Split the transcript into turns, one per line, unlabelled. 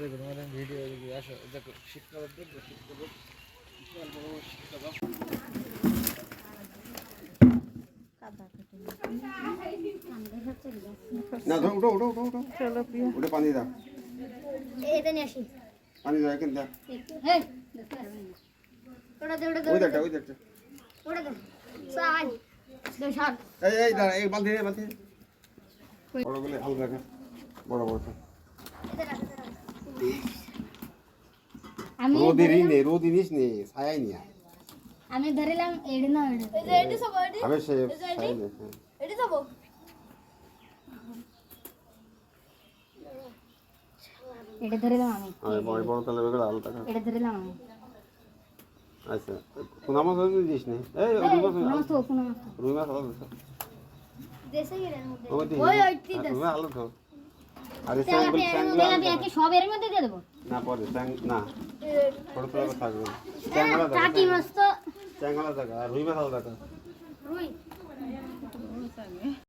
তোমাদের ভিডিও আসো দেখো শীতকালের দেখবো শীতকালের শীতকাল
না ধরো উঠো উঠো উঠো উঠো
চলো প্রিয়া
উঠে পানি দাও
এটা নিয়ে আসি
পানি দাও এখানে দাও
এই ওটা দে ওটা দে
ওই দেখটা ওই দেখটা
ওটা দে সাই দে শাক
এই দাঁড়া এই বালতি রে বালতি বড়গুলো হালকা রাখা বড় বড়
আমি
রোদিরই নেই রোদিনিস নেই ছায়াই নিয়া
আমি ধরিলাম এড়ি না এড়ি এই যে এড়ি সব এড়ি
আবে সে ছায়াই নেই
এড়ি সব এড়ি ধরিলাম আমি
আরে বড় বড় তালে বেগড়া আলো টাকা
এড়ি ধরিলাম আমি
আচ্ছা কোনা মাছ হইছে দিস নে এই
নমস্তে কোন
রুই মাছ আলো দিস
দেশে গেলেন
ওই ওইটি দেশ রুই আলো তো আরে স্যাঙ্গল স্যাঙ্গল
কি সব এর মধ্যে দিয়ে দেব
না পরে স্যাঙ্গ না ছোট ছোট থাকবে স্যাঙ্গলা দাও
টাকি মাছ তো
স্যাঙ্গলা দাও আর রুই মাছ আলো দাও
রুই